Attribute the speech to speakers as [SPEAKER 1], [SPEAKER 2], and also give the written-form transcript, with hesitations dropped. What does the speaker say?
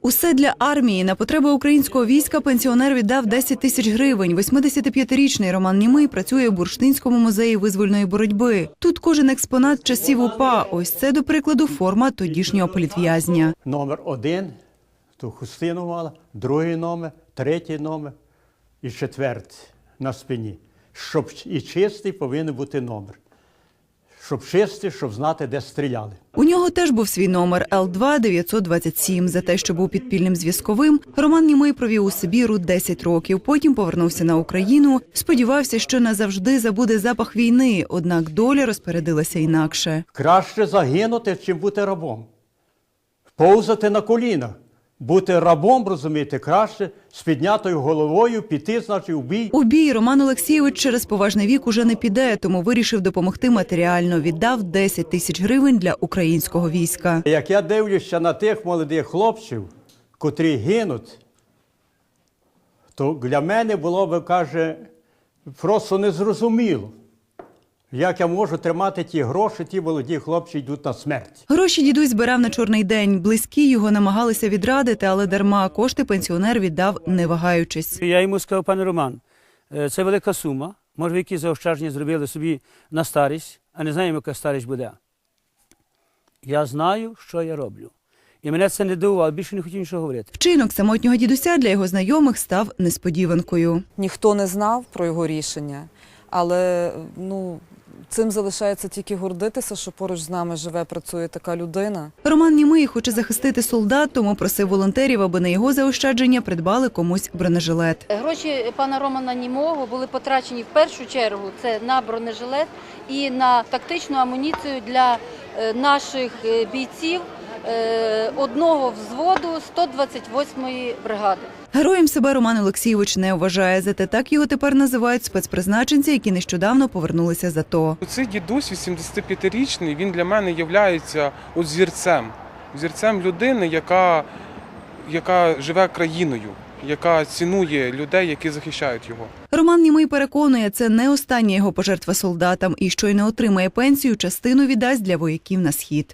[SPEAKER 1] Усе для армії. На потреби українського війська пенсіонер віддав 10 тисяч гривень. 85-річний Роман Німий працює в Бурштинському музеї визвольної боротьби. Тут кожен експонат часів УПА. Ось це, до прикладу, форма тодішнього політв'язня.
[SPEAKER 2] Номер 1, ту хустину мала, другий номер, третій номер і четвертий на спині. Щоб і чистий повинен бути номер. Щоб чистий, щоб знати, де стріляли.
[SPEAKER 1] У нього теж був свій номер Л2-927. За те, що був підпільним зв'язковим, Роман Німий провів у Сибіру 10 років. Потім повернувся на Україну. Сподівався, що назавжди забуде запах війни, однак доля розпорядилася інакше.
[SPEAKER 2] Краще загинути, чим бути рабом. Повзати на колінах. Бути рабом, розумієте, краще з піднятою головою піти, значить, у бій.
[SPEAKER 1] У бій Роман Олексійович через поважний вік уже не піде, тому вирішив допомогти матеріально. Віддав 10 тисяч гривень для українського війська.
[SPEAKER 2] Як я дивлюся на тих молодих хлопців, котрі гинуть, то для мене було б, каже, просто незрозуміло. Як я можу тримати ті гроші, ті молоді хлопці йдуть на смерть.
[SPEAKER 1] Гроші дідусь збирав на чорний день. Близькі його намагалися відрадити, але дарма. Кошти пенсіонер віддав, не вагаючись.
[SPEAKER 3] Я йому сказав: пане Роман, це велика сума. Може, ви якісь заощадження зробили собі на старість, а не знаємо, яка старість буде. Я знаю, що я роблю. І мене це не дивувало, більше не хотів нічого говорити.
[SPEAKER 1] Вчинок самотнього дідуся для його знайомих став несподіванкою.
[SPEAKER 4] Ніхто не знав про його рішення, але цим залишається тільки гордитися, що поруч з нами живе, працює така людина.
[SPEAKER 1] Роман Німий хоче захистити солдат, тому просив волонтерів, аби на його заощадження придбали комусь бронежилет.
[SPEAKER 5] Гроші пана Романа Німого були потрачені в першу чергу це на бронежилет і на тактичну амуніцію для наших бійців одного взводу 128-ї бригади.
[SPEAKER 1] Героєм себе Роман Олексійович не вважає, зате так його тепер називають спецпризначенці, які нещодавно повернулися з АТО.
[SPEAKER 6] Цей дідусь 85-річний, він для мене є зірцем людини, яка живе країною, яка цінує людей, які захищають його.
[SPEAKER 1] Роман Німий переконує, це не остання його пожертва солдатам і щойно отримає пенсію, частину віддасть для вояків на схід.